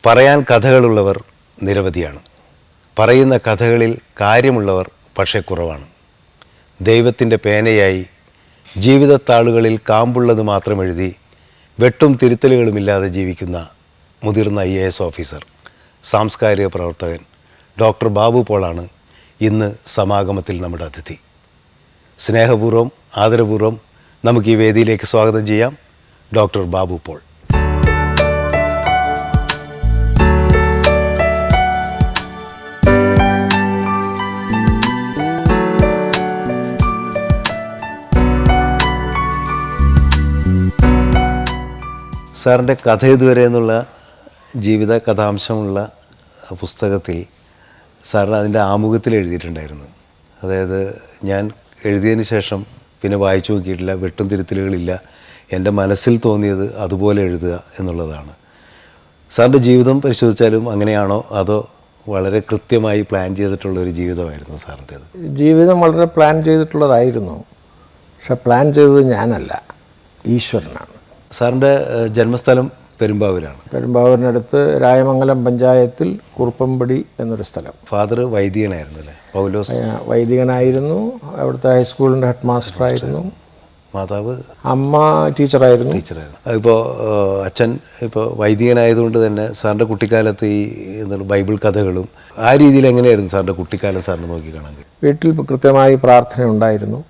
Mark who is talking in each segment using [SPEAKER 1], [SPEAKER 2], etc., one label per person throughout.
[SPEAKER 1] പറയാൻ കഥകളുള്ളവർ നിരവധിയാണ്. പറയുന്ന കഥകളിൽ കാര്യമുള്ളവർ പക്ഷേ കുറവാണ്. ദൈവത്തിൻ്റെ പേനയായി ജീവിതത്താളുകളിൽ കാമ്പുള്ളത് മാത്രം എഴുതി വെട്ടും തിരുത്തലുകളുമില്ലാതെ ജീവിക്കുന്ന മുതിർന്ന IAS ഓഫീസർ, സാംസ്കാരിക പ്രവർത്തകൻ ഡോക്ടർ ബാബു പോളാണ് ഇന്ന് സമാഗമത്തിൽ നമ്മുടെ അതിഥി. സ്നേഹപൂർവ്വം ആദരപൂർവ്വം നമുക്ക് ഈ വേദിയിലേക്ക് സ്വാഗതം ചെയ്യാം ഡോക്ടർ ബാബു പോൾ. സാറിൻ്റെ കഥ ഇതുവരെ എന്നുള്ള ജീവിത കഥാംശമുള്ള പുസ്തകത്തിൽ സാറിന് അതിൻ്റെ ആമുഖത്തിൽ എഴുതിയിട്ടുണ്ടായിരുന്നു. അതായത് ഞാൻ എഴുതിയതിന് ശേഷം പിന്നെ വായിച്ചു നോക്കിയിട്ടില്ല, വെട്ടും തിരുത്തലുകളില്ല, എൻ്റെ മനസ്സിൽ തോന്നിയത് അതുപോലെ എഴുതുക എന്നുള്ളതാണ്. സാറിൻ്റെ ജീവിതം പരിശോധിച്ചാലും അങ്ങനെയാണോ അതോ വളരെ കൃത്യമായി പ്ലാൻ ചെയ്തിട്ടുള്ളൊരു ജീവിതമായിരുന്നു സാറിൻ്റേത്?
[SPEAKER 2] ജീവിതം വളരെ പ്ലാൻ ചെയ്തിട്ടുള്ളതായിരുന്നു. പക്ഷെ പ്ലാൻ ചെയ്തത് ഞാനല്ല, ഈശ്വരനാണ്. സാറിൻ്റെ
[SPEAKER 1] ജന്മസ്ഥലം പെരുമ്പാവൂരാണ്.
[SPEAKER 2] പെരുമ്പാവൂരിനടുത്ത് രായമംഗലം പഞ്ചായത്തിൽ കുറുപ്പമ്പടി എന്നൊരു സ്ഥലം.
[SPEAKER 1] ഫാദർ വൈദികനായിരുന്നു അല്ലേ? പൗലോസ്
[SPEAKER 2] വൈദികനായിരുന്നു. അവിടുത്തെ ഹൈസ്കൂളിൻ്റെ ഹെഡ് മാസ്റ്ററായിരുന്നു.
[SPEAKER 1] മാതാവ്?
[SPEAKER 2] അമ്മ ടീച്ചറായിരുന്നു.
[SPEAKER 1] ഇപ്പോൾ അച്ഛൻ ഇപ്പോൾ വൈദികനായതുകൊണ്ട് തന്നെ സാറിൻ്റെ കുട്ടിക്കാലത്ത് ഈ എന്താണ് ബൈബിൾ കഥകളും ആ രീതിയിൽ എങ്ങനെയായിരുന്നു സാറിൻ്റെ കുട്ടിക്കാലം സാറിന് നോക്കി കാണാൻ?
[SPEAKER 2] വീട്ടിൽ കൃത്യമായി പ്രാർത്ഥന ഉണ്ടായിരുന്നു.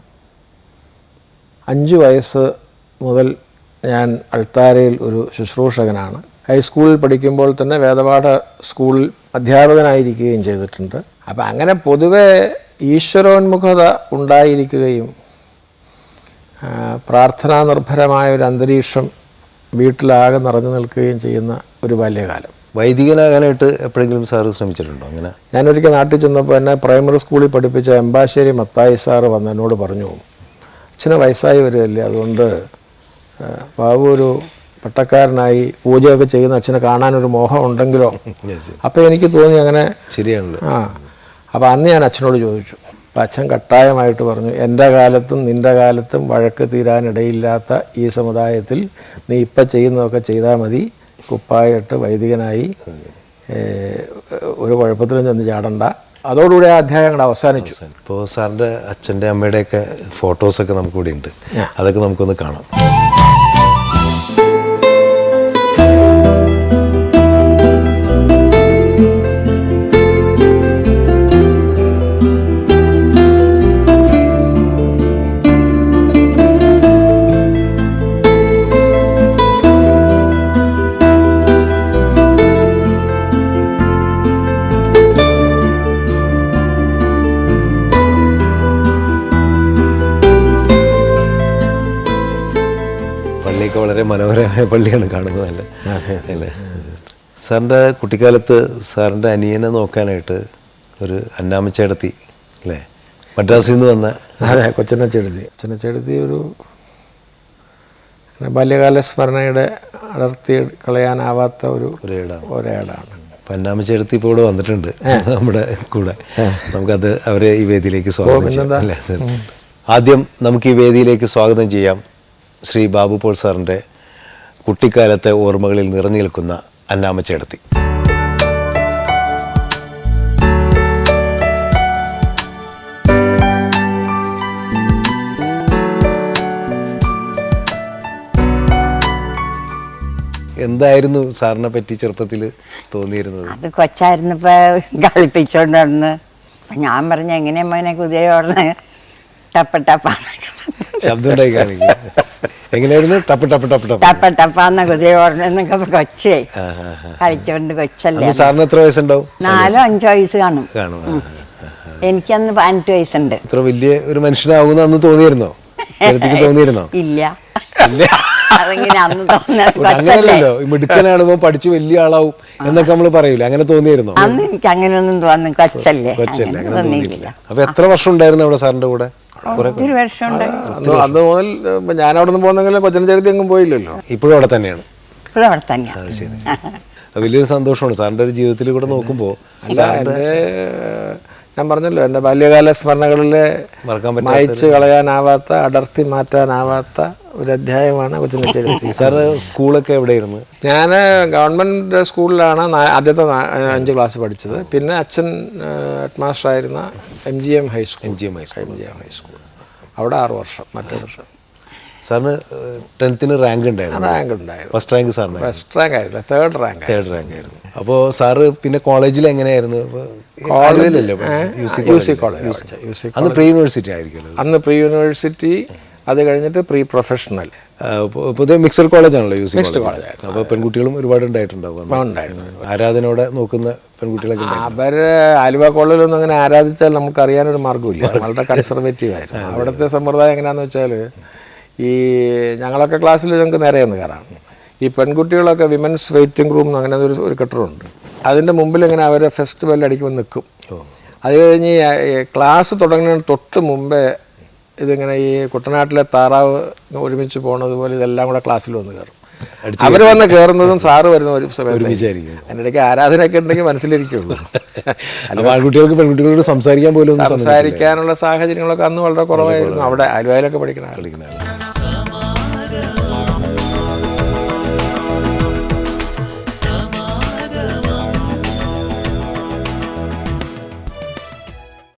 [SPEAKER 2] 5 വയസ്സ് മുതൽ ഞാൻ അൾത്താരയിൽ ഒരു ശുശ്രൂഷകനാണ്. ഹൈസ്കൂളിൽ പഠിക്കുമ്പോൾ തന്നെ വേദപാഠ സ്കൂളിൽ അധ്യാപകനായിരിക്കുകയും ചെയ്തിട്ടുണ്ട്. അപ്പം അങ്ങനെ പൊതുവെ ഈശ്വരോന്മുഖത ഉണ്ടായിരിക്കുകയും പ്രാർത്ഥനാ നിർഭരമായ ഒരു അന്തരീക്ഷം വീട്ടിലാകെ നിറഞ്ഞു നിൽക്കുകയും ചെയ്യുന്ന ഒരു ബാല്യകാലം.
[SPEAKER 1] വൈദികനാകാനായിട്ട് എപ്പോഴെങ്കിലും സാറ് ശ്രമിച്ചിട്ടുണ്ടോ? അങ്ങനെ
[SPEAKER 2] ഞാനൊരിക്കൽ നാട്ടിൽ ചെന്നപ്പോൾ എന്നെ പ്രൈമറി സ്കൂളിൽ പഠിപ്പിച്ച എമ്പാശ്ശേരി മത്തായി സാറ് വന്ന് എന്നോട് പറഞ്ഞു, അച്ഛന് വയസ്സായി വരികയല്ലേ, അതുകൊണ്ട് ബാബു ഒരു പട്ടക്കാരനായി പൂജയൊക്കെ ചെയ്യുന്ന അച്ഛനെ കാണാനൊരു മോഹം ഉണ്ടെങ്കിലോ. അപ്പോൾ എനിക്ക് തോന്നി അങ്ങനെ
[SPEAKER 1] ശരിയാണല്ലോ.
[SPEAKER 2] അപ്പോൾ അന്ന് ഞാൻ അച്ഛനോട് ചോദിച്ചു. അപ്പം അച്ഛൻ കട്ടായമായിട്ട് പറഞ്ഞു, എൻ്റെ കാലത്തും നിൻ്റെ കാലത്തും വഴക്ക് തീരാനിടയില്ലാത്ത ഈ സമുദായത്തിൽ നീ ഇപ്പം ചെയ്യുന്നതൊക്കെ ചെയ്താൽ മതി, കുപ്പായിട്ട് വൈദികനായി ഒരു കുഴപ്പത്തിലും ചെന്ന് ചാടണ്ട. അതോടുകൂടി ആ അധ്യായങ്ങൾ അവസാനിച്ചു.
[SPEAKER 1] ഇപ്പോൾ സാറിൻ്റെ അച്ഛൻ്റെ അമ്മയുടെയൊക്കെ ഫോട്ടോസൊക്കെ നമുക്കിവിടെ ഉണ്ട്, അതൊക്കെ നമുക്കൊന്ന് കാണാം. വളരെ മനോഹരമായ പള്ളിയാണ് കാണുന്നത് അല്ലേ? അല്ലേ? സാറിൻ്റെ കുട്ടിക്കാലത്ത് സാറിൻ്റെ അനിയനെ നോക്കാനായിട്ട് ഒരു അന്നാമ്മച്ചേടത്തി അല്ലേ, മദ്രാസിൽ നിന്ന് വന്ന?
[SPEAKER 2] അതെ, കൊച്ചനച്ചെടുത്തി ഒരു ബാല്യകാല സ്മരണയുടെ അടർത്തി കളയാനാവാത്ത ഒരേടാണ്.
[SPEAKER 1] അപ്പം അന്നാമ്മച്ചേടത്തി ഇപ്പോൾ ഇവിടെ വന്നിട്ടുണ്ട് നമ്മുടെ കൂടെ. നമുക്കത് അവരെ ഈ വേദിയിലേക്ക് സ്വാഗതം ചെയ്യാം അല്ലേ? ആദ്യം നമുക്ക് ഈ വേദിയിലേക്ക് സ്വാഗതം ചെയ്യാം ശ്രീ ബാബു പോൾ സാറിൻ്റെ കുട്ടിക്കാലത്തെ ഓർമ്മകളിൽ നിറഞ്ഞു നിൽക്കുന്ന അന്നാമ്മച്ചേടത്തി. എന്തായിരുന്നു സാറിനെ പറ്റി ചെറുപ്പത്തിൽ തോന്നിയിരുന്നത്?
[SPEAKER 3] അത് കൊച്ചായിരുന്നപ്പോ കളിപ്പിച്ചോണ്ട് നടന്ന് ഞാൻ പറഞ്ഞ എങ്ങനെയാ മോനെ കുതിര ഓടുന്ന ടപ്പ
[SPEAKER 1] ശബ്ദം ഉണ്ടായി കാണിക്കുക. എങ്ങനെയായിരുന്നു?
[SPEAKER 3] ടപ്പാന്ന കുതിര ഓടണെന്നൊക്കെ കൊച്ചേ കളിച്ചോണ്ട് കൊച്ചല്ലേ.
[SPEAKER 1] സാറിന് എത്ര വയസ്സുണ്ടാവും?
[SPEAKER 3] 4-5 വയസ്സ് കാണും. എനിക്കന്ന് 18 വയസ്സുണ്ട്.
[SPEAKER 1] ഇത്ര വലിയ ഒരു മനുഷ്യനാകുന്ന അന്ന് തോന്നിയിരുന്നോ? തോന്നിയിരുന്നോ?
[SPEAKER 3] ഇല്ല, അതെങ്ങനെ അന്ന്
[SPEAKER 1] തോന്നല്ലോ. മിടുക്കനാണ്, പഠിച്ചു വലിയ ആളാവും എന്നൊക്കെ നമ്മള് പറയൂല, അങ്ങനെ തോന്നിയിരുന്നോ?
[SPEAKER 3] അന്ന് എനിക്ക് അങ്ങനെയൊന്നും തോന്നുന്നു, കൊച്ചല്ലേ.
[SPEAKER 1] അപ്പൊ എത്ര വർഷം ഉണ്ടായിരുന്നു അവിടെ സാറിന്റെ കൂടെ?
[SPEAKER 3] ഒത്തിരി വർഷമുണ്ട്.
[SPEAKER 2] അന്ന് മുതൽ ഞാൻ അവിടെ നിന്ന് പോകുന്നെങ്കിലും കൊച്ചനച്ചേടത്തി എങ്ങും പോയില്ലല്ലോ.
[SPEAKER 1] ഇപ്പോഴും അവിടെ തന്നെയാണ്?
[SPEAKER 3] ഇപ്പോഴും അവിടെ തന്നെയാണ്.
[SPEAKER 1] ശരി, വലിയൊരു സന്തോഷമാണ് സാറിന്റെ ഒരു ജീവിതത്തിൽ കൂടെ നോക്കുമ്പോൾ.
[SPEAKER 2] ഞാൻ പറഞ്ഞല്ലോ, എൻ്റെ ബാല്യകാല സ്മരണകളിലെ മായ്ച്ചു കളയാനാവാത്ത, അടർത്തി മാറ്റാനാവാത്ത ഒരു അധ്യായമാണ് കൊച്ചിൻ ചരിത്രത്തിൽ.
[SPEAKER 1] സാറ് സ്കൂളൊക്കെ എവിടെയായിരുന്നു?
[SPEAKER 2] ഞാൻ ഗവൺമെൻറ് സ്കൂളിലാണ് ആദ്യത്തെ 5 ക്ലാസ് പഠിച്ചത്. പിന്നെ അച്ഛൻ ഹെഡ് മാസ്റ്ററായിരുന്ന MGM ഹൈസ്കൂൾ അവിടെ 6 വർഷം. മറ്റേ വർഷം
[SPEAKER 1] സാറിന് 10th റാങ്ക് ഉണ്ടായിരുന്നു?
[SPEAKER 2] റാങ്ക് ഉണ്ടായിരുന്നു.
[SPEAKER 1] ഫസ്റ്റ് റാങ്ക് സാറിന്?
[SPEAKER 2] ഫസ്റ്റ് റാങ്ക് ആയിരുന്നു, തേർഡ് റാങ്ക്
[SPEAKER 1] ആയിരുന്നു. അപ്പോൾ സാറ് പിന്നെ കോളേജിൽ എങ്ങനെയായിരുന്നു?
[SPEAKER 2] UC college.
[SPEAKER 1] അന്ന് പ്രീ യൂണിവേഴ്സിറ്റി ആയിരിക്കുമല്ലോ?
[SPEAKER 2] അന്ന് പ്രീ യൂണിവേഴ്സിറ്റി, അത് കഴിഞ്ഞിട്ട് പ്രീ പ്രൊഫഷണൽ.
[SPEAKER 1] പൊതുവെ മിക്സഡ് കോളേജാണല്ലോ UC
[SPEAKER 2] മിക്സ്ഡ് കോളേജ്.
[SPEAKER 1] അപ്പോൾ പെൺകുട്ടികളും ഒരുപാട് ഉണ്ടായിട്ടുണ്ടാവും. ആരാധനയോടെ നോക്കുന്ന പെൺകുട്ടികളൊക്കെ?
[SPEAKER 2] അവർ ആലുവ കോളേജിലൊന്നും അങ്ങനെ ആരാധിച്ചാൽ നമുക്ക് അറിയാനൊരു മാർഗ്ഗമില്ല. വളരെ കൺസർവേറ്റീവ് ആയിരുന്നു. അവിടുത്തെ സമ്പ്രദായം എങ്ങനെയാണെന്ന് വെച്ചാൽ, ഈ ഞങ്ങളൊക്കെ ക്ലാസ്സിൽ ഞങ്ങൾക്ക് നേരെ ഒന്ന് കയറാം. ഈ പെൺകുട്ടികളൊക്കെ വിമൻസ് വെയിറ്റിംഗ് റൂം അങ്ങനെ ഒരു കെട്ടിടമുണ്ട്. അതിൻ്റെ മുമ്പിൽ ഇങ്ങനെ അവരെ ഫെസ്റ്റിവൽ അടിക്കുമ്പോൾ നിൽക്കും. അത് കഴിഞ്ഞ് ക്ലാസ് തുടങ്ങുന്നതിന് തൊട്ട് മുമ്പേ ഇതിങ്ങനെ ഈ കുട്ടനാട്ടിലെ താറാവ് ഒരുമിച്ച് പോണത് പോലെ ഇതെല്ലാം കൂടെ ക്ലാസ്സിൽ വന്ന് കയറും. അവർ വന്ന് കയറുന്നതും സാറ് വരുന്ന ഒരു സമയത്ത്. അതിനിടയ്ക്ക് ആരാധനയൊക്കെ ഉണ്ടെങ്കിൽ മനസ്സിലിരിക്കുള്ളൂ.
[SPEAKER 1] ആൺകുട്ടികൾക്ക് പെൺകുട്ടികളോട് സംസാരിക്കാൻ പോലും
[SPEAKER 2] സംസാരിക്കാനുള്ള സാഹചര്യങ്ങളൊക്കെ അന്ന് വളരെ കുറവായിരുന്നു. അവിടെ ആലുവയിലൊക്കെ പഠിക്കുന്ന